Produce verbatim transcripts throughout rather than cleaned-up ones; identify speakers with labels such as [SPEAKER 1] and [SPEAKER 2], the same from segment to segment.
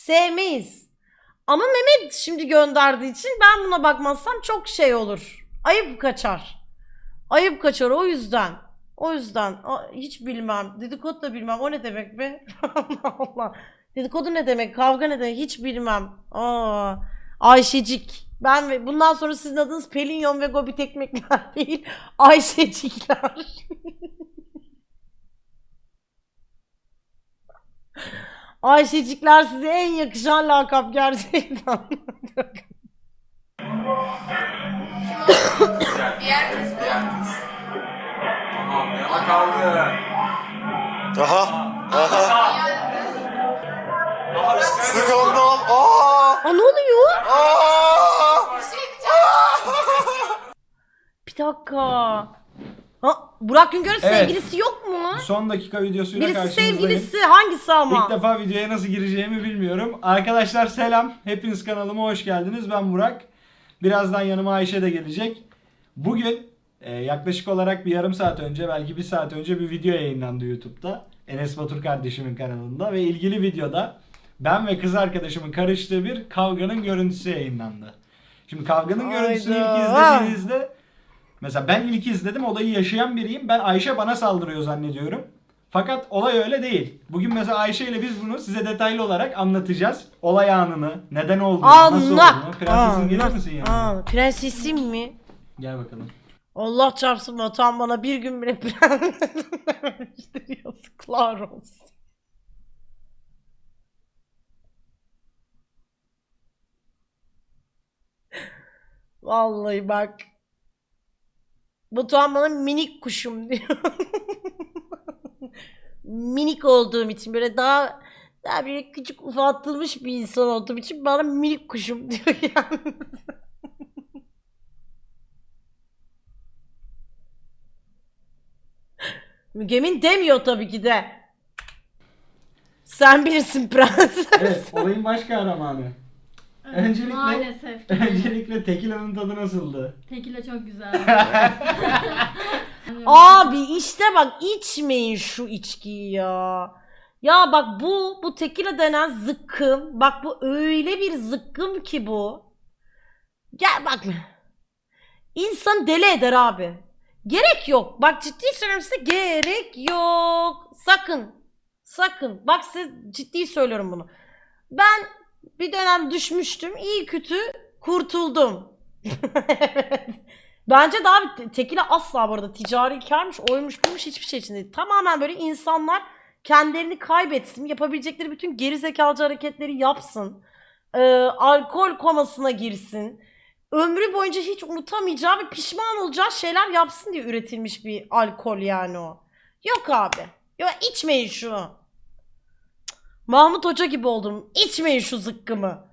[SPEAKER 1] sevmeyiz. Ama Mehmet şimdi gönderdiği için ben buna bakmazsam çok şey olur. Ayıp kaçar. Ayıp kaçar o yüzden. O yüzden a- hiç bilmem. Dedikodu da bilmem. O ne demek be? Allah Allah. Dedikodu ne demek? Kavga ne demek? Hiç bilmem. Aa, Ayşecik. Ben ve bundan sonra sizin adınız Pelinyon ve Gobi Tekmekler değil. Ayşecikler. Ayşecikler size en yakışan lakap gerçekten.
[SPEAKER 2] Diğer kız bu.
[SPEAKER 3] Tamam yana kaldı.
[SPEAKER 4] Aha. Aha.
[SPEAKER 3] Daha
[SPEAKER 4] Skandal. Aa.
[SPEAKER 1] Aa, ne oluyor?
[SPEAKER 4] Aa.
[SPEAKER 2] Bir şey diyeceğim.
[SPEAKER 1] Bir dakika. Ha, Burak Güngör'ün
[SPEAKER 3] Evet.
[SPEAKER 1] sevgilisi yok mu?
[SPEAKER 3] Son dakika videosuyla
[SPEAKER 1] Birisi
[SPEAKER 3] karşınızdayım.
[SPEAKER 1] sevgilisi hangisi ama?
[SPEAKER 3] İlk defa videoya nasıl gireceğimi bilmiyorum. Arkadaşlar selam. Hepiniz kanalıma hoş geldiniz. Ben Burak. Birazdan yanıma Ayşe de gelecek. Bugün e, yaklaşık olarak bir yarım saat önce, belki bir saat önce bir video yayınlandı YouTube'da. Enes Batur kardeşimin kanalında ve ilgili videoda ben ve kız arkadaşımın karıştığı bir kavganın görüntüsü yayınlandı. Şimdi kavganın
[SPEAKER 1] Hayda.
[SPEAKER 3] görüntüsünü ilk izlediğinizde, mesela ben ilk izledim, olayı yaşayan biriyim. Ben Ayşe bana saldırıyor zannediyorum. Fakat olay öyle değil. Bugün mesela Ayşe ile biz bunu size detaylı olarak anlatacağız. Olay anını, neden olduğunu, nasıl
[SPEAKER 1] Allah!
[SPEAKER 3] olduğunu. Prensesim gelir misin yanıma?
[SPEAKER 1] Aa, prensesim mi?
[SPEAKER 3] Gel bakalım.
[SPEAKER 1] Allah çarpsın Batuhan bana bir gün bile prensesim dememiştir. Yazıklar olsun. Vallahi bak. Batuhan bana minik kuşum diyor. Minik olduğum için böyle daha daha bir küçük ufatılmış bir insan olduğum için bana minik kuşum diyor yani. Mügemin demiyor tabii ki de. Sen bilirsin prenses.
[SPEAKER 3] Evet, olayın baş kahramanı.
[SPEAKER 5] Evet,
[SPEAKER 3] Öncelikle-
[SPEAKER 5] maalesef.
[SPEAKER 3] Öncelikle tekilanın tadı nasıldı?
[SPEAKER 5] Tekila çok güzel.
[SPEAKER 1] Abi işte bak içmeyin şu içkiyi ya. Ya bak bu bu tekila denen zıkkım. Bak bu öyle bir zıkkım ki bu. Gel bak. İnsan deli eder abi. Gerek yok. Bak ciddi söylüyorum size gerek yok. Sakın. Sakın. Bak size ciddi söylüyorum bunu. Ben bir dönem düşmüştüm. İyi kötü kurtuldum. Evet. Bence daha bir tekila asla bu arada ticari karmış, oymuş, buymuş hiçbir şey için değil. Tamamen böyle insanlar kendilerini kaybetsin, yapabilecekleri bütün gerizekalıcı hareketleri yapsın. Ee, alkol komasına girsin. Ömrü boyunca hiç unutamayacağı ve pişman olacağı şeyler yapsın diye üretilmiş bir alkol yani o. Yok abi. Yok içmeyin şunu. Mahmut Hoca gibi oldum. İçmeyin şu zıkkımı.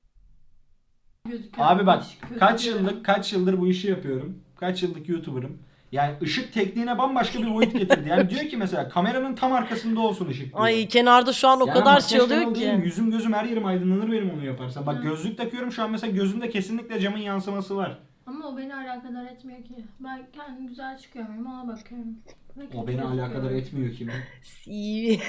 [SPEAKER 3] Abi bak, kaç yıllık kaç yıldır bu işi yapıyorum. Kaç yıllık YouTuber'ım. Yani ışık tekniğine bambaşka bir boyut getirdi. Yani diyor ki mesela kameranın tam arkasında olsun ışık diyor.
[SPEAKER 1] Ay kenarda şu an o
[SPEAKER 3] Yani
[SPEAKER 1] kadar şey
[SPEAKER 3] makyaj
[SPEAKER 1] oluyor
[SPEAKER 3] kanalı değilim.
[SPEAKER 1] ki.
[SPEAKER 3] Yüzüm gözüm her yerim aydınlanır benim onu yaparsam. Bak
[SPEAKER 5] Hı.
[SPEAKER 3] gözlük takıyorum şu an, mesela gözümde kesinlikle camın yansıması var.
[SPEAKER 5] Ama o beni alakadar etmiyor ki. Ben kendim güzel çıkıyor muyum ona bakıyorum. Ve
[SPEAKER 3] O
[SPEAKER 5] kötü
[SPEAKER 3] beni
[SPEAKER 5] gözüküyorum.
[SPEAKER 3] alakadar etmiyor ki.
[SPEAKER 1] İyi.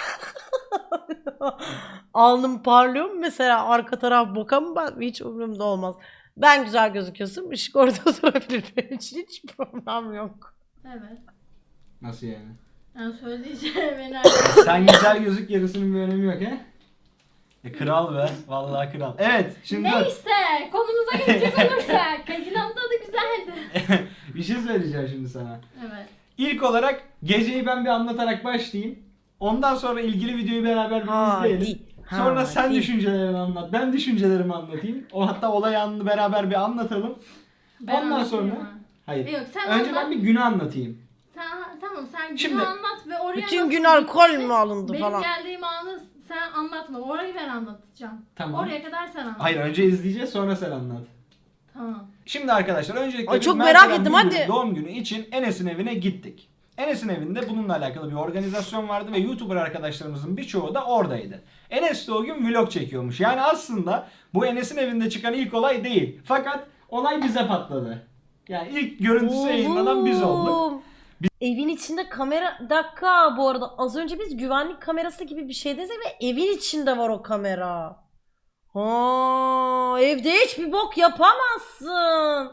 [SPEAKER 1] Alnım parlıyor mu mesela arka taraf boka mı ben hiç umurumda olmaz. Ben güzel gözüküyorsam ışık orada durabilir benim için hiç problem yok.
[SPEAKER 5] Evet.
[SPEAKER 3] Nasıl yani?
[SPEAKER 5] Yani söylediği şey beni alakadar
[SPEAKER 3] Sen güzel gözük, yarısının bir önemi yok he? E, kral be. Vallahi kral. Evet şimdi dur.
[SPEAKER 5] Neyse konumuza gelecek olursak. Tekilanın tadı güzeldi.
[SPEAKER 3] Bir şey söyleyeceğim şimdi sana.
[SPEAKER 5] Evet.
[SPEAKER 3] İlk olarak geceyi ben bir anlatarak başlayayım. Ondan sonra ilgili videoyu beraber bir
[SPEAKER 1] Hadi,
[SPEAKER 3] izleyelim. Sonra sen
[SPEAKER 1] hadi.
[SPEAKER 3] düşüncelerini anlat. Ben düşüncelerimi anlatayım. O hatta olay anını beraber bir anlatalım.
[SPEAKER 5] Ben
[SPEAKER 3] Ondan
[SPEAKER 5] anlatayım
[SPEAKER 3] sonra
[SPEAKER 5] mı?
[SPEAKER 3] hayır.
[SPEAKER 5] Yok, sen
[SPEAKER 3] Önce
[SPEAKER 5] anlat.
[SPEAKER 3] ben bir günü anlatayım.
[SPEAKER 5] Sen, tamam sen günü
[SPEAKER 3] Şimdi-
[SPEAKER 5] anlat ve oraya
[SPEAKER 1] Bütün
[SPEAKER 5] nasıl
[SPEAKER 1] gün alkol
[SPEAKER 5] gittin?
[SPEAKER 1] mü alındı
[SPEAKER 5] Benim
[SPEAKER 1] falan.
[SPEAKER 5] geldiğim anı sen anlatma. Orayı ben anlatacağım.
[SPEAKER 3] Tamam.
[SPEAKER 5] Oraya kadar sen anlat.
[SPEAKER 3] Hayır, önce izleyeceğiz sonra sen anlat.
[SPEAKER 5] Tamam.
[SPEAKER 3] Şimdi arkadaşlar öncelikle
[SPEAKER 1] Ay,
[SPEAKER 3] biz
[SPEAKER 1] çok
[SPEAKER 3] Mert
[SPEAKER 1] merak
[SPEAKER 3] Eren
[SPEAKER 1] ettim,
[SPEAKER 3] Bülbül'ün
[SPEAKER 1] hadi.
[SPEAKER 3] doğum günü için Enes'in evine gittik. Enes'in evinde bununla alakalı bir organizasyon vardı ve YouTuber arkadaşlarımızın birçoğu da oradaydı. Enes de o gün vlog çekiyormuş. Yani aslında bu Enes'in evinde çıkan ilk olay değil. Fakat olay bize patladı. Yani ilk görüntüsü yayınlanan biz olduk.
[SPEAKER 1] Oğlum. Evin içinde kamera... Bir dakika bu arada az önce biz güvenlik kamerası gibi bir şeydeyiz ve evin içinde var o kamera. Ha, evde hiçbir bok yapamazsın.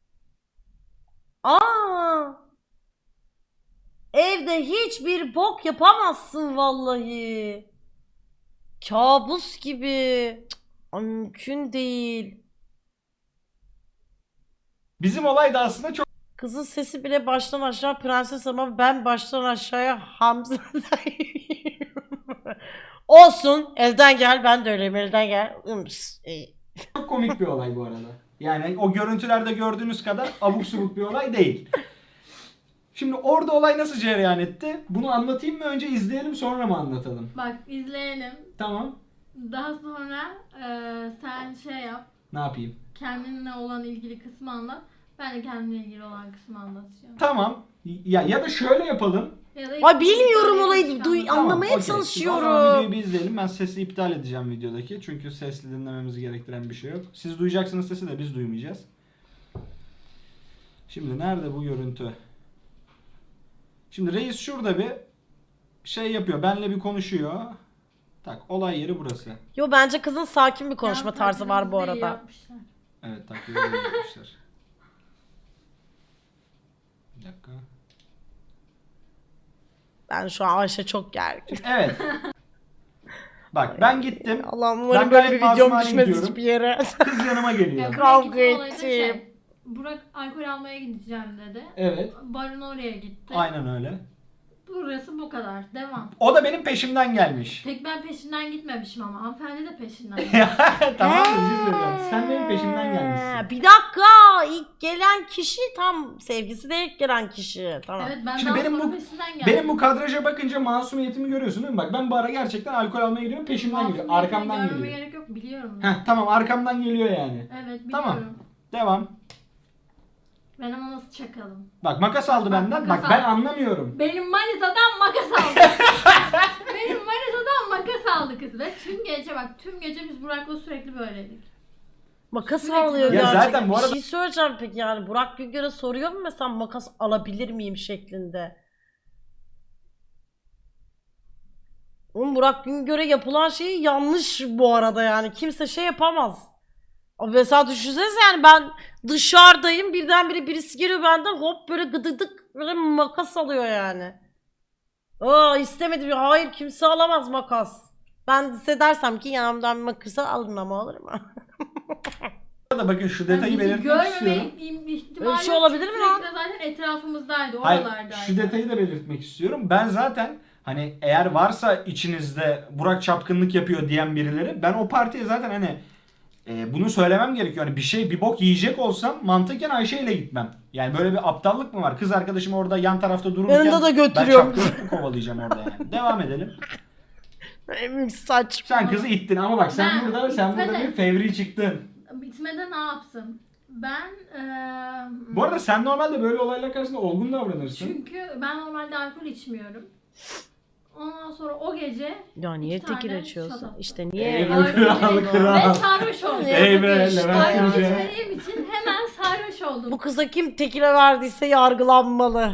[SPEAKER 1] Aa. Evde hiçbir bok yapamazsın vallahi. Kabus gibi. Cık, ay, mümkün değil.
[SPEAKER 3] Bizim olay da aslında çok
[SPEAKER 1] Kızın sesi bile baştan aşağı prenses ama ben baştan aşağıya Hamza. Olsun. Elden gel. Ben de öyleyim. Elden gel. Ims, iyi.
[SPEAKER 3] çok komik bir olay bu arada. Yani o görüntülerde gördüğünüz kadar abuk subuk bir olay değil. Şimdi orada olay nasıl cereyan etti? Bunu anlatayım mı? Önce izleyelim sonra mı anlatalım?
[SPEAKER 5] Bak izleyelim.
[SPEAKER 3] Tamam.
[SPEAKER 5] Daha sonra e, sen şey yap.
[SPEAKER 3] Ne yapayım?
[SPEAKER 5] Kendinle olan ilgili kısmı anlat. Ben de kendimle ilgili olan kısmı anlatacağım.
[SPEAKER 3] Tamam. Ya ya da şöyle yapalım.
[SPEAKER 5] Ya da
[SPEAKER 1] Ay bilmiyorum
[SPEAKER 5] ilgili
[SPEAKER 1] olayı.
[SPEAKER 5] kısmı
[SPEAKER 1] Duy,
[SPEAKER 5] anlat.
[SPEAKER 3] Tamam,
[SPEAKER 1] anlamaya
[SPEAKER 3] okey. O zaman
[SPEAKER 1] çalışıyorum.
[SPEAKER 3] videoyu bir izleyelim. Ben sesi iptal edeceğim videodaki. Çünkü sesli dinlememizi gerektiren bir şey yok. Siz duyacaksınız sesi de biz duymayacağız. Şimdi nerede bu görüntü? Şimdi reis şurada bir şey yapıyor. Benle bir konuşuyor. Tak, olay yeri burası.
[SPEAKER 1] Yo bence kızın sakin bir konuşma
[SPEAKER 5] Yan
[SPEAKER 1] tarzı var bu
[SPEAKER 5] taklidimizi de iyi
[SPEAKER 1] arada.
[SPEAKER 5] yapmışlar.
[SPEAKER 3] Evet, taklidi öyle yapmışlar. Bir dakika.
[SPEAKER 1] Ben şu an Ayşe çok gergin.
[SPEAKER 3] Evet. Bak ben gittim.
[SPEAKER 1] Allah'ım
[SPEAKER 3] Ben
[SPEAKER 1] umarım böyle bir
[SPEAKER 3] gayet
[SPEAKER 1] videom
[SPEAKER 3] masumane
[SPEAKER 1] düşmez
[SPEAKER 3] gidiyorum.
[SPEAKER 1] hiçbir yere.
[SPEAKER 3] Kız yanıma
[SPEAKER 5] Ya
[SPEAKER 3] geliyor.
[SPEAKER 5] buraya
[SPEAKER 1] Kavga
[SPEAKER 5] gitme olayı da şey,
[SPEAKER 1] ettim.
[SPEAKER 5] Burak alkol almaya gideceğim dedi.
[SPEAKER 3] Evet.
[SPEAKER 5] Barın oraya gitti.
[SPEAKER 3] Aynen öyle.
[SPEAKER 5] Burası bu kadar. Devam.
[SPEAKER 3] O da benim peşimden gelmiş.
[SPEAKER 5] Tek ben peşinden gitmemişim ama hanımefendi de peşinden.
[SPEAKER 3] Tamam mı? Bir şey söyleyeceğim. Sen benim peşimden gelmişsin.
[SPEAKER 1] He, bir dakika. İlk gelen kişi tam sevgisi de ilk gelen kişi. Tamam.
[SPEAKER 5] Evet ben
[SPEAKER 3] Şimdi
[SPEAKER 5] daha
[SPEAKER 3] benim
[SPEAKER 5] sonra
[SPEAKER 3] bu-
[SPEAKER 5] peşinden geldim.
[SPEAKER 3] Benim bu kadraja bakınca masumiyetimi görüyorsun değil mi? Bak ben bu ara gerçekten alkol almaya gidiyorum. Peşimden geliyor.
[SPEAKER 5] Masumiyetini
[SPEAKER 3] Arkamdan
[SPEAKER 5] görmeme
[SPEAKER 3] geliyor.
[SPEAKER 5] gerek yok biliyorum.
[SPEAKER 3] Heh, tamam, arkamdan geliyor yani.
[SPEAKER 5] Evet biliyorum.
[SPEAKER 3] Tamam. Devam.
[SPEAKER 5] Ben ama nasıl çakalım?
[SPEAKER 3] Bak makas aldı
[SPEAKER 5] Bak,
[SPEAKER 3] benden.
[SPEAKER 5] makas
[SPEAKER 3] Bak ben
[SPEAKER 5] aldı.
[SPEAKER 3] anlamıyorum.
[SPEAKER 5] Benim manitadan makas aldı. Benim manitadan makas aldı kız ve tüm gece bak tüm gece biz Burak'la sürekli böyleydik.
[SPEAKER 1] Makas
[SPEAKER 5] Sürekli
[SPEAKER 1] alıyor
[SPEAKER 5] böyle.
[SPEAKER 3] Ya
[SPEAKER 1] gerçekten.
[SPEAKER 3] zaten bu arada-
[SPEAKER 1] Bir şey söyleyeceğim peki yani. Burak Güngör'e soruyor mu mesela makas alabilir miyim şeklinde. Oğlum Burak Güngör'e yapılan şey yanlış bu arada yani. Kimse şey yapamaz. Abi mesela düşünsenize yani ben dışarıdayım birdenbire birisi geliyor benden hop böyle gıdıdık böyle makas alıyor yani. Aa istemedim ya hayır kimse alamaz makas. Ben size dersem ki yanımdan bir makası alın ama olur mu?
[SPEAKER 3] Burada bakın şu
[SPEAKER 5] Yani
[SPEAKER 3] detayı
[SPEAKER 5] bizi
[SPEAKER 3] belirtmek istiyorum.
[SPEAKER 5] görmeme ihtimali
[SPEAKER 1] Öyle bir şey
[SPEAKER 5] yok.
[SPEAKER 1] olabilir mi
[SPEAKER 5] Sürekli
[SPEAKER 1] lan?
[SPEAKER 5] de zaten etrafımızdaydı,
[SPEAKER 3] Hayır,
[SPEAKER 5] oralardaydı.
[SPEAKER 3] şu detayı da belirtmek istiyorum. Ben zaten hani eğer varsa içinizde Burak çapkınlık yapıyor diyen birileri, ben o partiye zaten hani e, bunu söylemem gerekiyor. Hani bir şey bir bok yiyecek olsam mantıken Ayşe ile gitmem. Yani böyle bir aptallık mı var? Kız arkadaşım orada yan tarafta dururken
[SPEAKER 1] Yanında da
[SPEAKER 3] ben
[SPEAKER 1] götürüyorum.
[SPEAKER 3] çapkınlık mı kovalayacağım orada yani? Devam edelim.
[SPEAKER 1] Emin saçma.
[SPEAKER 3] Sen kızı ittin ama bak sen
[SPEAKER 5] Ben
[SPEAKER 3] burada sen burada
[SPEAKER 5] itmedim.
[SPEAKER 3] bir fevri çıktın.
[SPEAKER 5] Bitmede ne yapsın? Ben eee
[SPEAKER 3] Bu arada sen normalde böyle olaylar karşısında olgun davranırsın.
[SPEAKER 5] çünkü ben normalde alkol içmiyorum. Ondan sonra o gece
[SPEAKER 1] Ya niye
[SPEAKER 5] İki tane
[SPEAKER 1] tekil açıyorsun?
[SPEAKER 5] şat attım.
[SPEAKER 1] İşte niye?
[SPEAKER 3] Ey be
[SPEAKER 5] alkol
[SPEAKER 3] kral,
[SPEAKER 5] içmedim
[SPEAKER 3] kral.
[SPEAKER 5] ve sarhoş oldum.
[SPEAKER 3] Ey be
[SPEAKER 1] İşte.
[SPEAKER 3] Levent
[SPEAKER 5] Alkol
[SPEAKER 3] Yüce.
[SPEAKER 5] içmediğim için hemen sarhoş oldum.
[SPEAKER 1] Bu kıza kim tekile verdiyse yargılanmalı.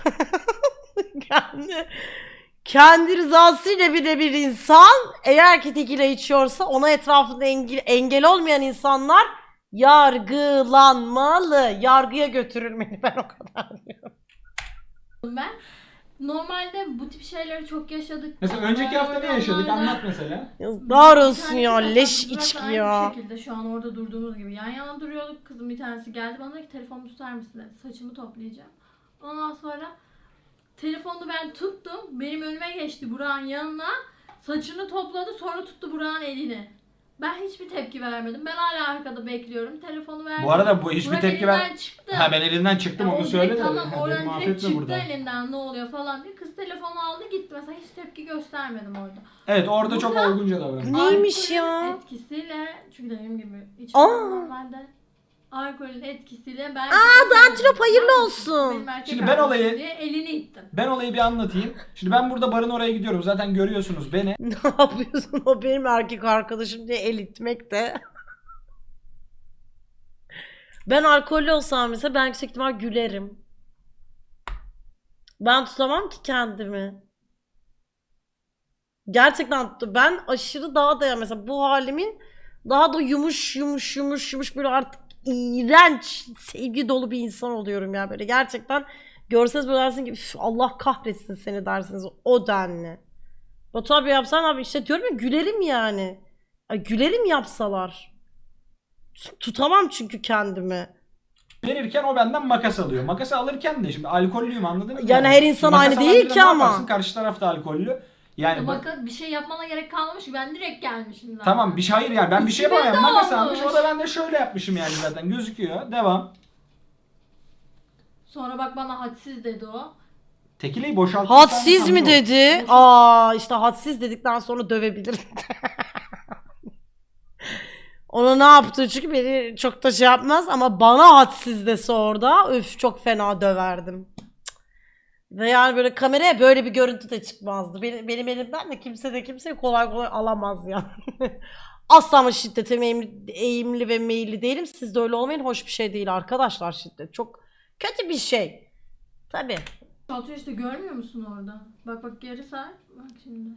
[SPEAKER 1] kendi, kendi rızasıyla bile bir insan eğer ki tekile içiyorsa ona etrafında engel, engel olmayan insanlar yargılanmalı. Yargıya götürülmeli ben o kadar diyorum.
[SPEAKER 5] Ben normalde bu tip şeyleri çok yaşadık.
[SPEAKER 3] Mesela önceki hafta ne yaşadık? Anlat mesela.
[SPEAKER 1] Yazıklar
[SPEAKER 5] Bir
[SPEAKER 1] olsun
[SPEAKER 5] tanesi
[SPEAKER 1] ya
[SPEAKER 5] zaten
[SPEAKER 1] leş
[SPEAKER 5] Burak'la
[SPEAKER 1] içki
[SPEAKER 5] aynı
[SPEAKER 1] ya.
[SPEAKER 5] şekilde şu an orada durduğumuz gibi yan yana duruyorduk. Kızın bir tanesi geldi bana dedi ki telefonumu tutar mısın dedi. Saçımı toplayacağım. Ondan sonra telefonu ben tuttum. Benim önüme geçti Burak'ın yanına. Saçını topladı sonra tuttu Burak'ın elini. Ben hiçbir tepki vermedim. Ben hala arkada bekliyorum. Telefonu verdim.
[SPEAKER 3] Bu arada bu hiçbir
[SPEAKER 5] Burak
[SPEAKER 3] tepki ver.
[SPEAKER 5] elinden çıktı.
[SPEAKER 3] Ha ben elinden çıktım
[SPEAKER 5] Ya o
[SPEAKER 3] onu
[SPEAKER 5] direkt
[SPEAKER 3] söyle de.
[SPEAKER 5] tamam
[SPEAKER 3] Ha,
[SPEAKER 5] oradan
[SPEAKER 3] beni
[SPEAKER 5] direkt
[SPEAKER 3] mahvetme
[SPEAKER 5] çıktı
[SPEAKER 3] burada.
[SPEAKER 5] elinden ne oluyor falan diye. Kız telefonu aldı gitti. Mesela hiç tepki göstermedim orada.
[SPEAKER 3] Evet orada çok
[SPEAKER 5] Burada-
[SPEAKER 3] olgunca davranmış.
[SPEAKER 1] Neymiş
[SPEAKER 5] Alkolün
[SPEAKER 1] ya?
[SPEAKER 5] etkisiyle çünkü dediğim gibi hiç
[SPEAKER 1] Aa!
[SPEAKER 5] normalde alkolün etkisiyle ben
[SPEAKER 1] Aa, Dantilop hayırlı olsun.
[SPEAKER 5] Benim erkek
[SPEAKER 3] Şimdi ben
[SPEAKER 5] arkadaşım
[SPEAKER 3] olayı-
[SPEAKER 5] diye elini ittim.
[SPEAKER 3] Ben olayı bir anlatayım. Şimdi ben burada barın oraya gidiyorum. Zaten görüyorsunuz beni.
[SPEAKER 1] Ne yapıyorsun o benim erkek arkadaşım diye el itmek de. Ben alkollü olsam mesela ben yüksek ihtimal gülerim. Ben tutamam ki kendimi. Gerçekten ben aşırı daha da ya mesela bu halimin daha da yumuş yumuş yumuş yumuş böyle artık iğrenç sevgi dolu bir insan oluyorum ya böyle gerçekten görseniz böyle dersin ki "Üf, Allah kahretsin seni" dersiniz o denli. Batu abi yapsan abi işte diyorum ya gülerim yani. Ay, gülerim yapsalar. Tutamam çünkü kendimi.
[SPEAKER 3] Verirken o benden makas alıyor. Makası alırken de şimdi alkollüyüm anladınız mı?
[SPEAKER 1] Yani her insan
[SPEAKER 3] Makas
[SPEAKER 1] aynı
[SPEAKER 3] alan
[SPEAKER 1] değil
[SPEAKER 3] birine
[SPEAKER 1] ki
[SPEAKER 3] ne
[SPEAKER 1] ama.
[SPEAKER 3] yaparsın? Karşı taraf da alkollü. Yani bak,
[SPEAKER 5] Bak bir şey yapmana gerek kalmamış ki ben direkt gelmişim zaten.
[SPEAKER 3] tamam bir şey hayır yani ben bir şey
[SPEAKER 5] İçime
[SPEAKER 3] yapamam. Makas
[SPEAKER 5] doğmuş.
[SPEAKER 3] almış o da ben de şöyle yapmışım yani zaten gözüküyor. Devam.
[SPEAKER 5] Sonra bak bana hadsiz dedi o.
[SPEAKER 3] Tekileyi boşalttım.
[SPEAKER 1] Hadsiz mi dedi? Aa işte hadsiz dedikten sonra dövebilirim. Ona ne yaptı çünkü beni çok da şey yapmaz ama bana hadsiz dese orada öf çok fena döverdim. Cık. Ve yani böyle kameraya böyle bir görüntü de çıkmazdı. Benim, benim elimden de kimse de kimseyi kolay kolay alamaz yani. Asla ama şiddete eğimli, eğimli ve meyilli değilim. Siz de öyle olmayın. Hoş bir şey değil arkadaşlar şiddet. Çok kötü bir şey. Tabii.
[SPEAKER 5] Atıyor işte görmüyor musun orada? Bak bak geri say. Bak şimdi.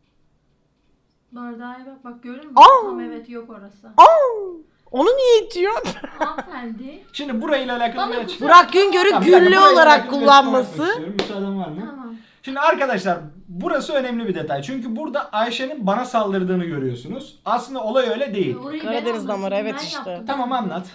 [SPEAKER 5] Bardağa bak bak görüyor musun?
[SPEAKER 1] Aa!
[SPEAKER 5] Tam evet yok orası.
[SPEAKER 1] Aa, onu niye itiyor?
[SPEAKER 5] Hanımefendi.
[SPEAKER 3] Şimdi burayla alakalı
[SPEAKER 5] Bana
[SPEAKER 3] bir
[SPEAKER 5] kusura-
[SPEAKER 3] açıklama.
[SPEAKER 1] Burak Güngör'ü
[SPEAKER 3] Tamam, bir dakika,
[SPEAKER 1] güllü
[SPEAKER 3] burayla
[SPEAKER 1] olarak
[SPEAKER 3] alakalı bir açıklama yapmak
[SPEAKER 1] kullanması.
[SPEAKER 3] istiyorum. Müsaaden var mı?
[SPEAKER 5] Tamam.
[SPEAKER 3] Şimdi arkadaşlar burası önemli bir detay. Çünkü burada Ayşe'nin bana saldırdığını görüyorsunuz. Aslında olay öyle değil.
[SPEAKER 5] Orayı ben
[SPEAKER 1] Karadeniz
[SPEAKER 5] anlatayım,
[SPEAKER 1] damarı, evet
[SPEAKER 5] ben
[SPEAKER 1] işte.
[SPEAKER 5] yaptım.
[SPEAKER 3] Tamam anlat.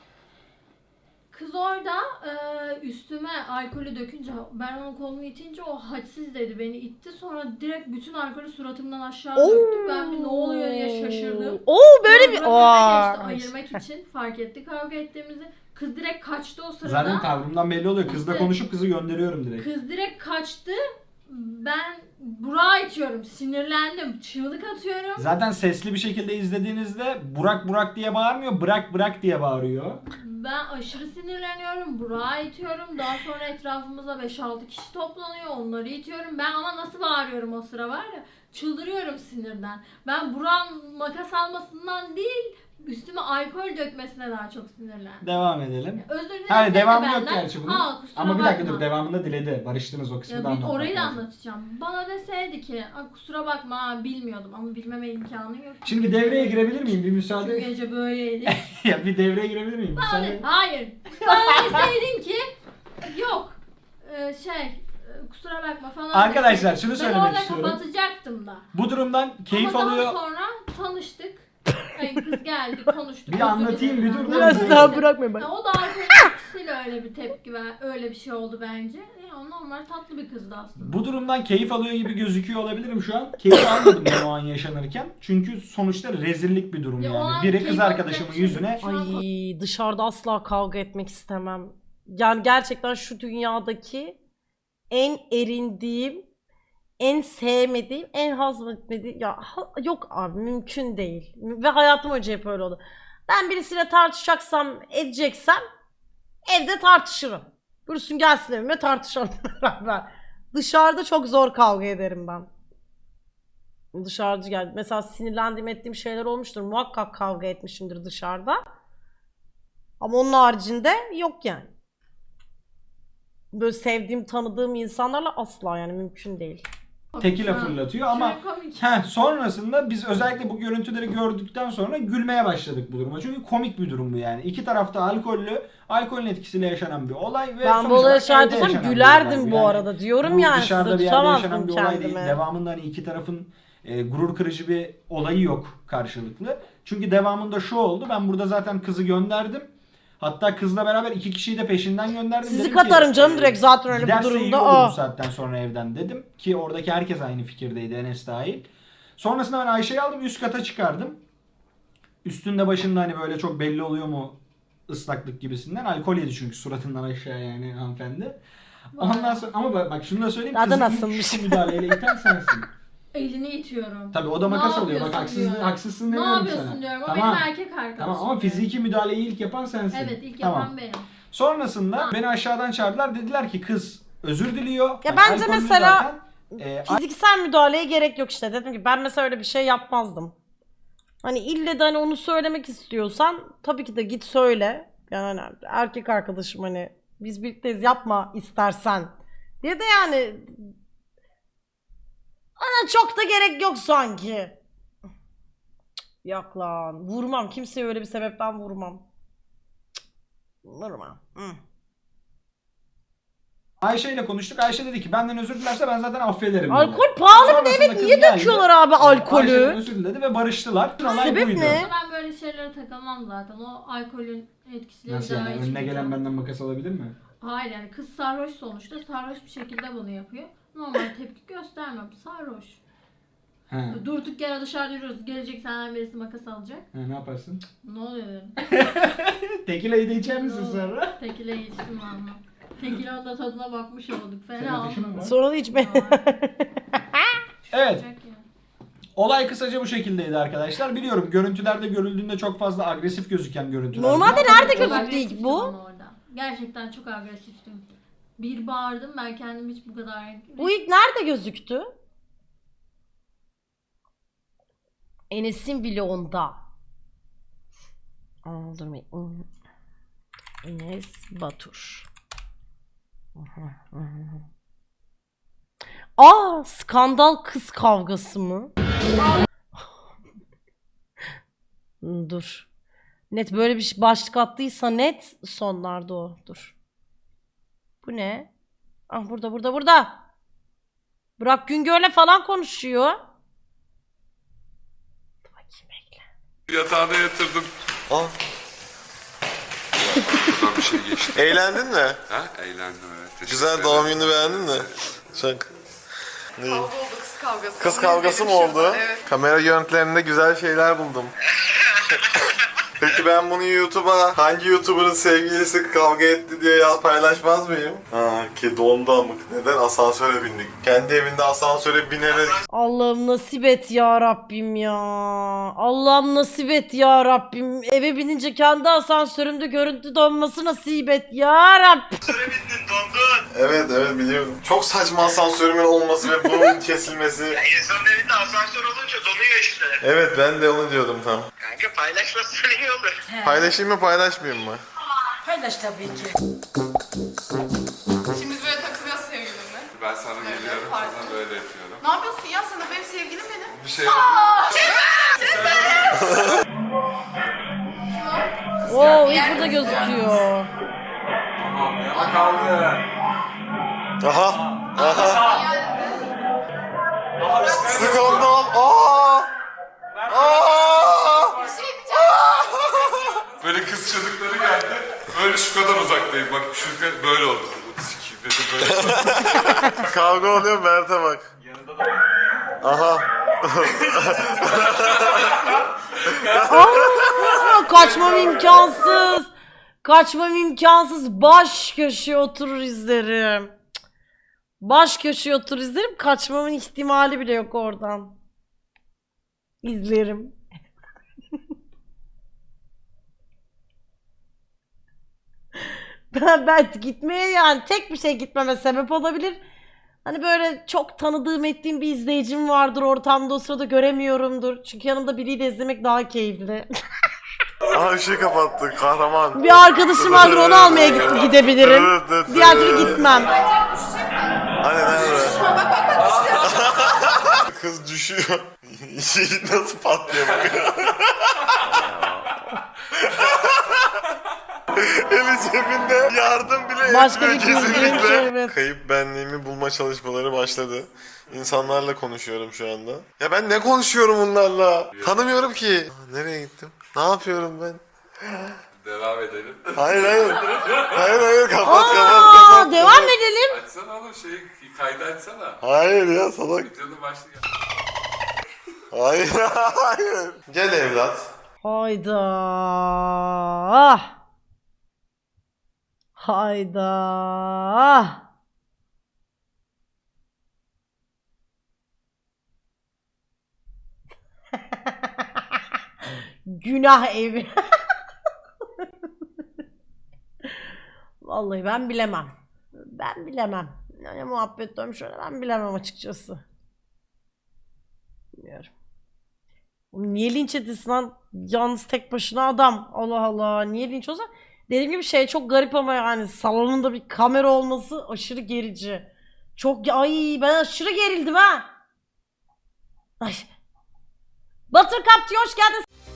[SPEAKER 5] Kız orada e, üstüme alkolü dökünce ben onun kolunu itince o hadsiz dedi beni itti sonra direkt bütün alkolü suratımdan aşağı döktü ben bir ne oluyor diye şaşırdım.
[SPEAKER 1] Oo böyle bir...
[SPEAKER 5] Sonra
[SPEAKER 1] Aa.
[SPEAKER 5] önüme geçti, ayırmak için fark etti kavga ettiğimizi. Kız direkt kaçtı o sırada.
[SPEAKER 3] Zaten tavrımdan belli oluyor. Kızla
[SPEAKER 5] İşte-
[SPEAKER 3] konuşup kızı gönderiyorum direkt.
[SPEAKER 5] Kız direkt kaçtı. Ben Burak'a itiyorum. Sinirlendim. Çığlık atıyorum.
[SPEAKER 3] Zaten sesli bir şekilde izlediğinizde Burak Burak diye bağırmıyor. Bırak bırak diye bağırıyor.
[SPEAKER 5] Ben aşırı sinirleniyorum. Burak'a itiyorum. Daha sonra etrafımıza beş altı kişi toplanıyor. Onları itiyorum. Ben ama nasıl bağırıyorum o sıra var ya. Çıldırıyorum sinirden. Ben Burak'ın makas almasından değil, üstüme alkol dökmesine daha çok sinirlendim.
[SPEAKER 3] Devam edelim.
[SPEAKER 5] Özür dilerim.
[SPEAKER 3] Hayır
[SPEAKER 5] de
[SPEAKER 3] devamı yok
[SPEAKER 5] benden.
[SPEAKER 3] gerçi bunun.
[SPEAKER 5] Aa, kusura
[SPEAKER 3] Ama bir dakika
[SPEAKER 5] bakma.
[SPEAKER 3] dur devamında diledi. Barıştınız o kısmı
[SPEAKER 5] Ya
[SPEAKER 3] da
[SPEAKER 5] bir
[SPEAKER 3] anlatmak
[SPEAKER 5] orayı da
[SPEAKER 3] lazım.
[SPEAKER 5] anlatacağım. Bana deseydi ki kusura bakma ha, bilmiyordum ama bilmeme imkanı yok.
[SPEAKER 3] Şimdi bir devreye girebilir miyim? Bir
[SPEAKER 5] Şu
[SPEAKER 3] müsaade.
[SPEAKER 5] gece böyleydi.
[SPEAKER 3] ya bir devreye girebilir miyim?
[SPEAKER 5] Bana
[SPEAKER 3] Müsaade.
[SPEAKER 5] de- hayır. Bana deseydin ki yok ee, şey e, kusura bakma falan.
[SPEAKER 3] Arkadaşlar,
[SPEAKER 5] deseydin,
[SPEAKER 3] şunu söylemek
[SPEAKER 5] Ben orada
[SPEAKER 3] istiyorum.
[SPEAKER 5] kapatacaktım da.
[SPEAKER 3] Bu durumdan keyif
[SPEAKER 5] ama
[SPEAKER 3] alıyor.
[SPEAKER 5] daha sonra tanıştık. Ay, kız geldi konuştuk.
[SPEAKER 3] Bir
[SPEAKER 5] özür
[SPEAKER 3] anlatayım,
[SPEAKER 5] dilerim
[SPEAKER 3] bir dur,
[SPEAKER 5] ben.
[SPEAKER 3] dur,
[SPEAKER 1] Biraz
[SPEAKER 3] dur.
[SPEAKER 1] daha bırakmayın bak.
[SPEAKER 5] Ya o da alkolün etkisiyle öyle bir tepki ver, öyle bir şey oldu bence. Ya normal tatlı bir kızdı aslında.
[SPEAKER 3] Bu durumdan keyif alıyor gibi gözüküyor olabilirim şu an. Keyif almadım ben o an yaşanırken. Çünkü sonuçta rezillik bir durum
[SPEAKER 5] Ya o
[SPEAKER 3] yani.
[SPEAKER 5] an
[SPEAKER 3] Biri kız
[SPEAKER 5] keyif
[SPEAKER 3] arkadaşımın
[SPEAKER 5] alacak bir şey
[SPEAKER 3] yüzüne
[SPEAKER 5] yok. Şu an
[SPEAKER 1] Ay dışarıda asla kavga etmek istemem. Yani gerçekten şu dünyadaki en erindiğim, en sevmediğim, en hazmetmediğim ya ha- yok abi mümkün değil. Ve hayatım önce hep öyle oldu. Ben birisiyle tartışacaksam, edeceksem evde tartışırım. Buyursun gelsin evime tartışalım beraber. Dışarıda çok zor kavga ederim ben. Dışarıda geldi. Mesela sinirlendiğim ettiğim şeyler olmuştur. Muhakkak kavga etmişimdir dışarıda. Ama onun haricinde yok yani. Böyle sevdiğim, tanıdığım insanlarla asla yani mümkün değil.
[SPEAKER 3] tekile
[SPEAKER 5] Ha.
[SPEAKER 3] fırlatıyor ama
[SPEAKER 5] Şöyle komik.
[SPEAKER 3] heh, sonrasında biz özellikle bu görüntüleri gördükten sonra gülmeye başladık bu duruma. Çünkü komik bir durum bu yani. İki tarafta alkollü, alkolün etkisiyle yaşanan bir olay ve
[SPEAKER 1] Ben
[SPEAKER 3] sonuç
[SPEAKER 1] bu olaya
[SPEAKER 3] olarak
[SPEAKER 1] şahit
[SPEAKER 3] evde
[SPEAKER 1] olsam
[SPEAKER 3] yaşanan bir
[SPEAKER 1] gülerdim
[SPEAKER 3] olay
[SPEAKER 1] bu
[SPEAKER 3] yani.
[SPEAKER 1] arada diyorum
[SPEAKER 3] Bu
[SPEAKER 1] yani
[SPEAKER 3] dışarıda
[SPEAKER 1] size
[SPEAKER 3] bir yerde yaşanan bir
[SPEAKER 1] tutamazdım
[SPEAKER 3] olay değil.
[SPEAKER 1] kendimi.
[SPEAKER 3] Devamında hani iki tarafın e, gurur kırıcı bir olayı yok karşılıklı. Çünkü devamında şu oldu. Ben burada zaten kızı gönderdim. Hatta kızla beraber iki kişiyi de peşinden gönderdim.
[SPEAKER 1] Sizi
[SPEAKER 3] Dedim
[SPEAKER 1] katarım
[SPEAKER 3] ki,
[SPEAKER 1] canım
[SPEAKER 3] e,
[SPEAKER 1] direkt zaten öyle bir
[SPEAKER 3] giderse iyi
[SPEAKER 1] durumda.
[SPEAKER 3] olur
[SPEAKER 1] Aa.
[SPEAKER 3] bu saatten sonra evden dedim. Ki oradaki herkes aynı fikirdeydi, Enes dahil. Sonrasında ben Ayşe'yi aldım, üst kata çıkardım. Üstünde başında hani böyle çok belli oluyor mu ıslaklık gibisinden. Alkol yedi çünkü suratından aşağı yani hanımefendi. Ondan sonra ama bak, bak şunu da söyleyeyim.
[SPEAKER 1] Daha da
[SPEAKER 3] Kızı
[SPEAKER 1] nasılmış?
[SPEAKER 3] ilk müdahaleyle iten sensin.
[SPEAKER 5] Elini itiyorum.
[SPEAKER 3] Tabii o da
[SPEAKER 5] Ne
[SPEAKER 3] makas alıyor. Bak
[SPEAKER 5] yapıyorsun
[SPEAKER 3] haksız,
[SPEAKER 5] diyor.
[SPEAKER 3] haksızsın
[SPEAKER 5] Ne
[SPEAKER 3] demiyorum
[SPEAKER 5] yapıyorsun
[SPEAKER 3] sana.
[SPEAKER 5] diyorum. O
[SPEAKER 3] Tamam.
[SPEAKER 5] benim erkek arkadaşım.
[SPEAKER 3] Tamam ama
[SPEAKER 5] diyor.
[SPEAKER 3] fiziki müdahaleyi ilk yapan sensin.
[SPEAKER 5] Evet ilk
[SPEAKER 3] Tamam.
[SPEAKER 5] yapan benim.
[SPEAKER 3] Sonrasında beni aşağıdan çağırdılar. Dediler ki kız özür diliyor.
[SPEAKER 1] Ya
[SPEAKER 3] Hani
[SPEAKER 1] bence
[SPEAKER 3] alkollü
[SPEAKER 1] mesela
[SPEAKER 3] zaten. Ee,
[SPEAKER 1] Fiziksel müdahaleye gerek yok işte. Dedim ki ben mesela öyle bir şey yapmazdım. Hani ille de hani onu söylemek istiyorsan tabii ki de git söyle. Yani hani erkek arkadaşım hani biz birlikteyiz yapma istersen Ya da yani ana çok da gerek yok sanki. Yok lan. Vurmam. Kimseye öyle bir sebepten vurmam. Vurmam. Hı.
[SPEAKER 3] Ayşe ile konuştuk. Ayşe dedi ki benden özür dilerse ben zaten affederim. dedi.
[SPEAKER 1] Alkol pahalı mı?
[SPEAKER 3] Sonrasında
[SPEAKER 1] Evet
[SPEAKER 3] kız
[SPEAKER 1] niye
[SPEAKER 3] geldi.
[SPEAKER 1] döküyorlar abi
[SPEAKER 3] Ayşe'den
[SPEAKER 1] alkolü?
[SPEAKER 3] özür diledi ve barıştılar. Olay
[SPEAKER 1] Sebep
[SPEAKER 3] buydu.
[SPEAKER 1] ne?
[SPEAKER 5] Ben böyle şeylere takılmam zaten. O alkolün etkisiyle
[SPEAKER 3] Nasıl
[SPEAKER 5] bir daha
[SPEAKER 3] yani? Önüne
[SPEAKER 5] içmeyeceğim.
[SPEAKER 3] gelen benden makas alabilir mi?
[SPEAKER 5] Hayır yani kız sarhoş sonuçta. Sarhoş bir şekilde bunu yapıyor. Normal tepki göstermem. Sarhoş.
[SPEAKER 3] He.
[SPEAKER 5] Durduk yere dışarıda yürüyoruz. Gelecek senden birisi makas alacak.
[SPEAKER 3] He, ne yaparsın?
[SPEAKER 5] Ne oluyor dedim.
[SPEAKER 3] Tekilayı da içer
[SPEAKER 5] Ne
[SPEAKER 3] misin
[SPEAKER 5] oldu?
[SPEAKER 3] sonra?
[SPEAKER 5] Tekile içtim valla. Tekilanın da tadına bakmış olduk.
[SPEAKER 3] Senin
[SPEAKER 5] Fena
[SPEAKER 3] ateşin mi
[SPEAKER 5] oldu.
[SPEAKER 3] var?
[SPEAKER 1] Sonra da içme.
[SPEAKER 3] Evet.
[SPEAKER 5] Olacak yani.
[SPEAKER 3] Olay kısaca bu şekildeydi arkadaşlar. Biliyorum görüntülerde görüldüğünde çok fazla agresif gözüken görüntüler.
[SPEAKER 1] Normalde
[SPEAKER 3] bunlar.
[SPEAKER 1] nerede
[SPEAKER 5] Çok
[SPEAKER 1] gözüktü
[SPEAKER 5] agresiftim
[SPEAKER 1] ilk bu?
[SPEAKER 5] ama orada. Gerçekten çok agresiftim. Bir bağırdım ben kendim hiç bu kadar...
[SPEAKER 1] Bu ilk nerede gözüktü? Enes'in vlogunda. Aa, dur bir- Enes Batur. Aa, skandal kız kavgası mı? Dur. Net böyle bir şey- başlık attıysa net sonlarda o. Dur. Bu ne? Ah burada burada burada. Burak Güngör'le falan konuşuyor. Dur bakayım bekle.
[SPEAKER 6] Yatağına yatırdım.
[SPEAKER 4] Aa,
[SPEAKER 6] Buradan bir şey geçti.
[SPEAKER 4] eğlendin mi?
[SPEAKER 6] Ha? Eğlendim evet. Teşekkür
[SPEAKER 4] Güzel
[SPEAKER 6] ederim.
[SPEAKER 4] doğum gününü beğendin mi? Çok.
[SPEAKER 2] Kavga oldu, kız kavgası.
[SPEAKER 4] Kız
[SPEAKER 2] Onu
[SPEAKER 4] kavgası mı
[SPEAKER 2] izledim
[SPEAKER 4] oldu?
[SPEAKER 2] şurada, evet.
[SPEAKER 4] Kamera görüntülerinde güzel şeyler buldum. Peki ben bunu YouTube'a hangi YouTuber'ın sevgilisi kavga etti diye ya paylaşmaz mıyım? Ha ki dondu amık. Neden? Asansöre bindik. Kendi evinde asansöre binerek
[SPEAKER 1] Allah'ım nasip et ya Rabbim ya. Allah'ım nasip et ya Rabbim. Eve binince kendi asansörümde görüntü donması nasip et ya Rabbim.
[SPEAKER 4] Evet evet biliyorum. Çok saçma asansörümün olması ve bunun kesilmesi.
[SPEAKER 7] İnsanın evinde asansör olunca donuyor işte.
[SPEAKER 4] Evet ben de onu diyordum tam.
[SPEAKER 7] Kanka paylaşması iyi olur.
[SPEAKER 4] Paylaşayım mı paylaşmayayım mı?
[SPEAKER 2] Paylaş tabii ki. Şimdi biz böyle takılıyoruz sevgilimle.
[SPEAKER 6] Ben sana
[SPEAKER 2] Böyle
[SPEAKER 6] geliyorum,
[SPEAKER 2] farklı.
[SPEAKER 6] sana böyle yapıyorum.
[SPEAKER 2] Ne yapıyorsun ya? Sana benim sevgilim benim.
[SPEAKER 6] Bir şey
[SPEAKER 1] Oo ilk burada gözüküyor.
[SPEAKER 6] Tamam ya. Kaldı.
[SPEAKER 4] Aha. Aha. Skandal. Aa. Aa.
[SPEAKER 2] Bir şey diyeceğim.
[SPEAKER 6] Böyle kız çocukları geldi. Böyle şu kadar uzaktayım. Bak şu kadar böyle oldu. Sikiyim dedi böyle.
[SPEAKER 4] Kavga oluyor Mert'e bak. Aha.
[SPEAKER 1] Aa, kaçmam imkansız. Kaçmam imkansız. Baş köşeye oturur izlerim. Cık. Baş köşeye oturur izlerim. Kaçmamın ihtimali bile yok oradan. İzlerim. Ben, ben gitmeye yani tek bir şey gitmeme sebep olabilir. Hani böyle çok tanıdığım ettiğim bir izleyicim vardır ortamda o sırada göremiyorumdur. Çünkü yanımda biriyle izlemek daha keyifli.
[SPEAKER 4] Aha ışığı kapattı kahraman.
[SPEAKER 1] Bir arkadaşım vardır onu almaya git- gidebilirim. Diğer türlü gitmem.
[SPEAKER 4] Hani nerede?
[SPEAKER 2] Bak bak bak işte.
[SPEAKER 4] Kız düşüyor. Şey nasıl patlıyor bak. Eli cebinde yardım bile
[SPEAKER 1] Başka
[SPEAKER 4] etmiyor
[SPEAKER 1] bir bildiğim
[SPEAKER 4] kesinlikle.
[SPEAKER 1] şey, evet.
[SPEAKER 4] Kayıp benliğimi bulma çalışmaları başladı. İnsanlarla konuşuyorum şu anda. Ya ben ne konuşuyorum bunlarla? Tanımıyorum ki. Aa, nereye gittim? Ne yapıyorum ben?
[SPEAKER 6] Devam edelim.
[SPEAKER 4] Hayır hayır. Hayır hayır kapat kapat
[SPEAKER 1] Aa,
[SPEAKER 4] kapat.
[SPEAKER 1] devam edelim.
[SPEAKER 6] Açsana oğlum şeyi kaydı açsana.
[SPEAKER 4] Hayır ya salak.
[SPEAKER 6] Videonun başlığı.
[SPEAKER 4] Hayır hayır. Gel evlat.
[SPEAKER 1] Hayda. Ah. Hayda. Günah evi. Vallahi ben bilemem. Ben bilemem. Yani muhabbet dönmüş öyle ben bilemem açıkçası. Bilmiyorum. Oğlum niye linç edilsin lan? Yalnız tek başına adam. Allah Allah. Niye linç olsa? Dediğim gibi şey çok garip ama yani salonunda bir kamera olması aşırı gerici. Çok ay ben aşırı gerildim ha. Ay. Buttercup diyor hoş geldin.